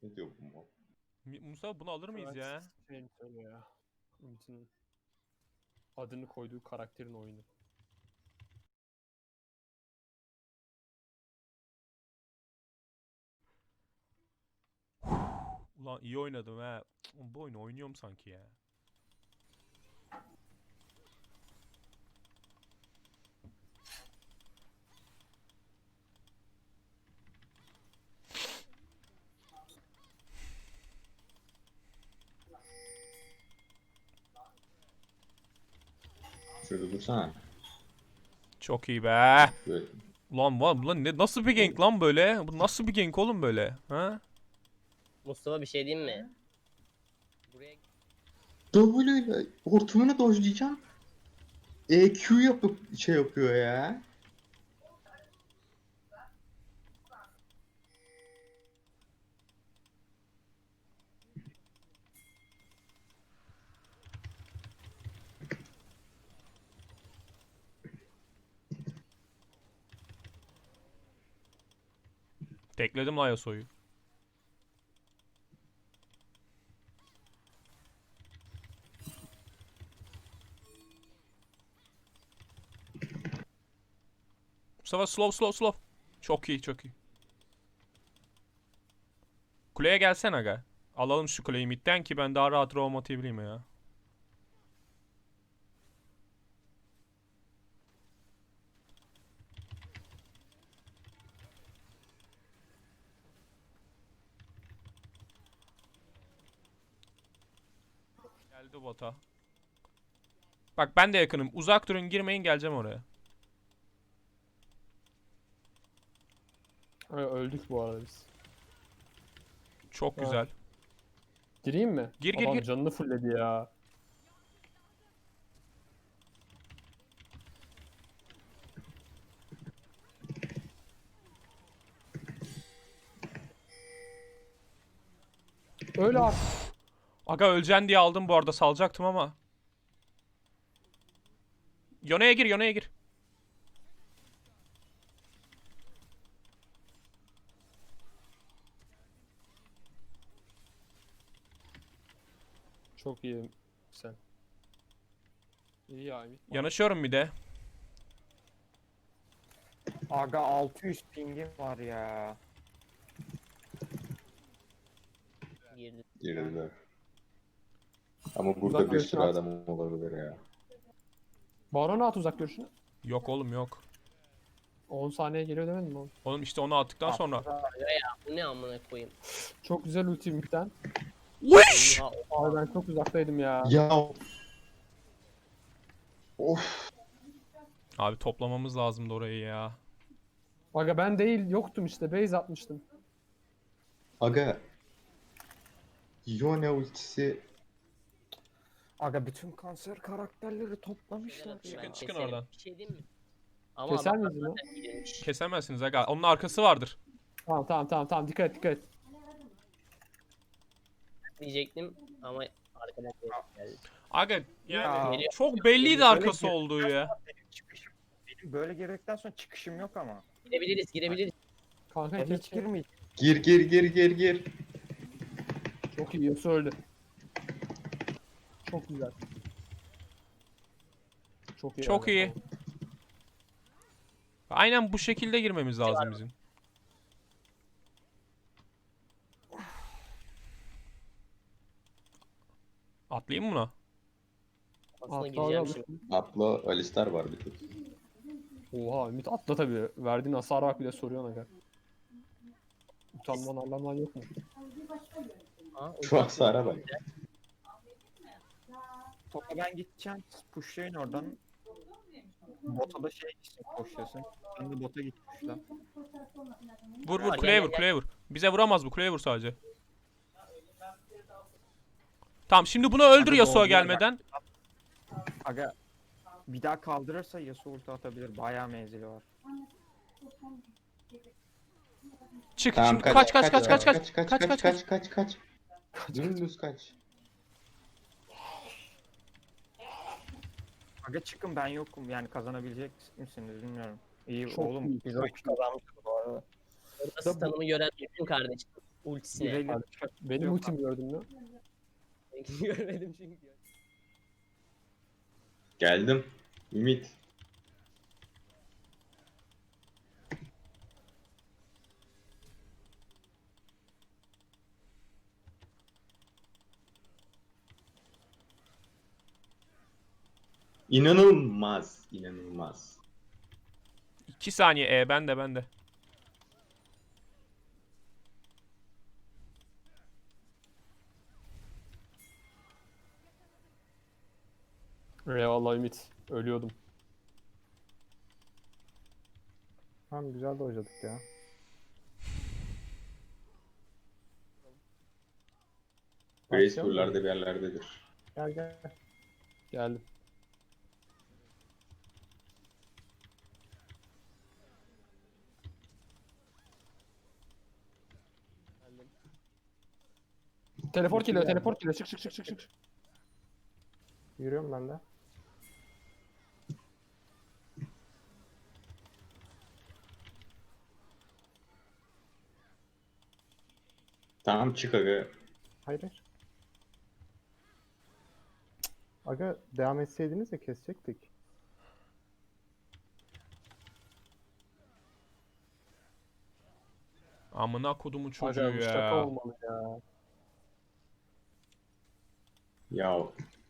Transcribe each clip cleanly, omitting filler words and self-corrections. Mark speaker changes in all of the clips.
Speaker 1: Ne diyor bu mal?
Speaker 2: Musa bunu alır mıyız ya?
Speaker 3: Şey söylüyor ya. Ümit'in adını koyduğu karakterin oyunu.
Speaker 2: Ulan iyi oynadım ha. Bu oyunu oynuyorum sanki ya.
Speaker 1: Şurada dursana.
Speaker 2: Çok iyi be.
Speaker 1: Böyle.
Speaker 2: Ulan ne nasıl bir gank lan böyle? Bu nasıl bir gank oğlum böyle? Ha?
Speaker 4: Mustafa bir şey diyeyim mi? Buraya
Speaker 1: W ile hortumunu dojlayacağım. EQ yapıp şey yapıyor ya.
Speaker 2: Tekledim lan Yasuo'yu. Mustafa slow. Çok iyi çok iyi. Kuleye gelsene aga. Alalım şu kuleyi midden ki ben daha rahat roam atabileyim ya. Geldi bota. Bak ben de yakınım. Uzak durun girmeyin geleceğim oraya.
Speaker 3: Öldük bu arada biz.
Speaker 2: Çok
Speaker 3: Ha.
Speaker 2: güzel.
Speaker 3: Gireyim mi?
Speaker 2: Gir,
Speaker 3: Adam
Speaker 2: gir.
Speaker 3: canını fulledi ya. Öyle artık.
Speaker 2: Aga öleceksin diye aldım bu arada salacaktım ama. Yone'ye gir.
Speaker 3: Çok iyi sen. İyi ya Ümit.
Speaker 2: Yanaşıyorum bir de.
Speaker 5: Aga 600 pingim var ya.
Speaker 4: girdi.
Speaker 1: Girdiler. Ama
Speaker 3: Uzak
Speaker 1: burada bir
Speaker 3: görüşün
Speaker 1: sürü
Speaker 3: at.
Speaker 1: adam olabilir ya.
Speaker 3: Barona at uzak görüşünü.
Speaker 2: Yok oğlum yok.
Speaker 3: 10 saniye geliyor demedim mi oğlum?
Speaker 2: Oğlum işte onu attıktan sonra.
Speaker 4: Bu ne amına koyayım?
Speaker 3: Çok güzel ulti Ümit'ten.
Speaker 2: Wish!
Speaker 4: Oha,
Speaker 3: Abi ben çok uzaktaydım ya.
Speaker 1: Ya. Of.
Speaker 2: Abi toplamamız lazımdı orayı ya.
Speaker 3: Aga ben değil yoktum işte base atmıştım.
Speaker 1: Aga. Yone ultisi.
Speaker 5: Aga bütün kanser karakterleri toplamışlar
Speaker 4: güzel
Speaker 5: ya.
Speaker 4: atıyor, ben
Speaker 2: Çıkın
Speaker 4: keserim.
Speaker 2: oradan.
Speaker 4: Bir şey diyeyim mi? Ama
Speaker 3: Keser
Speaker 4: adamlar
Speaker 3: miyiz lan?
Speaker 4: zaten girmiş.
Speaker 2: Kesemezsiniz aga. Onun arkası vardır.
Speaker 3: Tamam dikkat et.
Speaker 4: Diyecektim ama arkadan geldi.
Speaker 2: Aga
Speaker 5: Ya,
Speaker 2: yani çok belliydi arkası olduğu ya.
Speaker 5: Benim böyle girdikten sonra çıkışım yok ama.
Speaker 4: Girebiliriz.
Speaker 3: Kanka
Speaker 5: Ben hiç
Speaker 3: keşke.
Speaker 5: girmeyeceğim.
Speaker 1: Gir.
Speaker 3: Çok iyi Yasuo öldü. Çok güzel. Çok iyi.
Speaker 2: Çok
Speaker 3: öldü.
Speaker 2: iyi. Aynen bu şekilde girmemiz lazım bizim. Atlayayım mı buna?
Speaker 4: Aslında
Speaker 3: Atla
Speaker 4: gireceğim
Speaker 3: abi.
Speaker 4: şimdi.
Speaker 1: Atla Alistar var bir tek.
Speaker 3: Oha Ümit atla tabii. Verdiğin hasar bak bir de soruyorsun aga. Utanman arlanman yok mu?
Speaker 4: Ha,
Speaker 1: Şu hasara bak.
Speaker 5: Topa ben gideceğim. Pushlayın oradan. Bota da şey için koşuyorsun. Ben de bota gitmişler.
Speaker 2: Vur
Speaker 4: Var,
Speaker 2: kuleye
Speaker 4: gel,
Speaker 2: vur
Speaker 4: gel.
Speaker 2: kuleye vur. Bize vuramaz bu kuleye vur sadece. Tamam şimdi bunu öldür
Speaker 5: Hadi
Speaker 2: Yasuo
Speaker 5: doğru,
Speaker 2: gelmeden.
Speaker 5: Aga bir daha kaldırırsa Yasuo ulti atabilir. Bayağı menzili var.
Speaker 2: Çık
Speaker 1: Tamam
Speaker 2: şimdi
Speaker 1: kaç
Speaker 2: kaç.
Speaker 1: Dümdüz kaç.
Speaker 5: Aga çıkın ben yokum. Yani kazanabilecek misiniz bilmiyorum. İyi
Speaker 3: Çok
Speaker 5: oğlum.
Speaker 3: iyi,
Speaker 5: Biz
Speaker 3: çok
Speaker 5: çok kazanmıştık bu arada.
Speaker 4: Orada stun'ımı gören bütün kardeşim. ultisine.
Speaker 5: İrelia
Speaker 3: Benim
Speaker 5: Yok
Speaker 3: ultimi gördün mü?
Speaker 4: Görmedim çünkü.
Speaker 1: Geldim. Ümit. İnanılmaz. İnanılmaz.
Speaker 2: 2 saniye ben de.
Speaker 3: Eyvallah Ümit. Ölüyordum.
Speaker 6: Tamam güzel de oynadık ya.
Speaker 1: Grace
Speaker 6: Başlayalım mı?
Speaker 1: buralarda bir yerlerdedir.
Speaker 6: Gel gel.
Speaker 3: Geldim. Teleport geliyor, teleport geliyor. Çık çık çık çık çık.
Speaker 6: Yürüyorum ben de.
Speaker 1: Tamam çık aga.
Speaker 6: Hayır hayır. Aga devam etseydiniz de kesecektik.
Speaker 2: Amına kodumun çocuğu
Speaker 3: Acayip şaka
Speaker 2: ya.
Speaker 3: olmalı ya.
Speaker 1: Ya.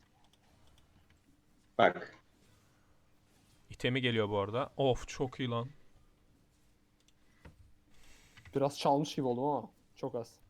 Speaker 1: Bak.
Speaker 2: İtemi geliyor bu arada. Of çok iyi lan.
Speaker 3: Biraz çalmış gibi oldum ama çok az.